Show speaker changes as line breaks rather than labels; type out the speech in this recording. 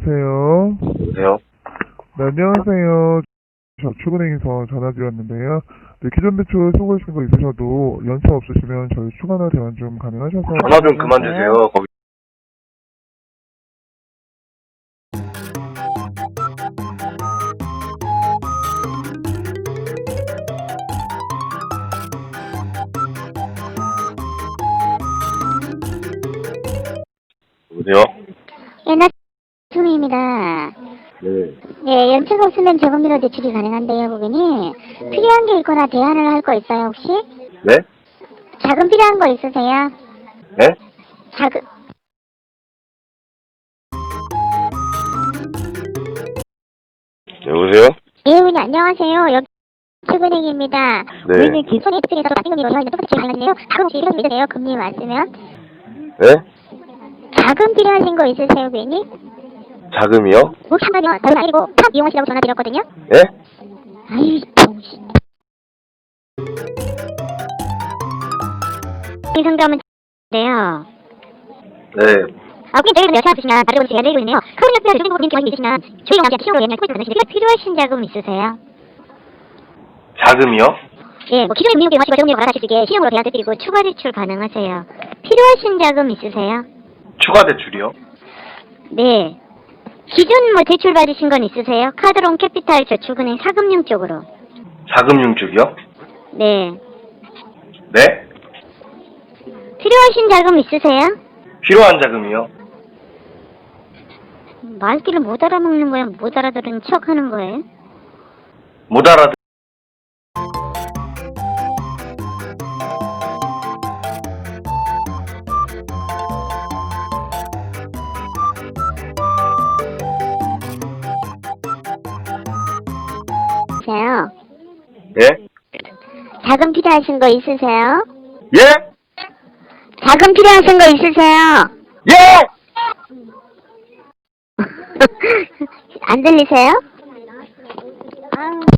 여보세요?
여보세요?
네, 안녕하세요. 저축은행에서 전화드렸는데요. 네, 기존 대출 수고하신 거 있으셔도 연차 없으시면 저희 추가나 대환 좀 가능하셔서.
전화 좀 그만 주세요. 거기. 여보세요?
나 수미입니다.
네.
예, 연차가 없으면 저금리로 대출이 가능한데요, 고객님. 필요한 게 있거나 대안을 할 거 있어요, 혹시?
네?
자금 필요한 거 있으세요?
네?
자금.
여보세요?
예, 고객님, 안녕하세요. 연축은행입니다.
네.
우리는 기존의 대출에서 낮은 금리로 대화하는 똑같이 가능한데요. 자금 혹시 필요하신 거 있으세요? 금리 맞으면?
네?
자금 필요하신 거 있으세요, 고객님?
자금이요?
혹시 한마디요? 다른 아니고 탑 이용하시라고 전화드렸거든요?
예?
아이, 정신. 이 상담은 네요.
네.
고객님 저희가 여차 없으시면 다른 분이 내리고 있네요. 카드 옆에 주된 고객님 기관이 있으시면 저희가 나한테 키우로 옛날 포인트 받으시는데 필요하신 자금 있으세요?
자금이요?
예, 뭐 기존에 미용계 마시고 저금리로 갈아타실 수 있게 신용으로 대안 드리고 추가 대출 가능하세요. 필요하신 자금 있으세요?
추가 대출이요?
네. 기존 뭐 대출 받으신 건 있으세요? 카드론 캐피탈 저축은행 사금융 쪽으로.
자금융 쪽이요?
네.
네?
필요하신 자금 있으세요?
필요한 자금이요?
말귀를 못 알아먹는 거예요? 못 알아들은 척 하는 거예요?
못 알아듣.
있으세요?
예?
자금 필요하신 거 있으세요?
예?
자금 필요하신 거 있으세요?
예!
안 들리세요? 아유.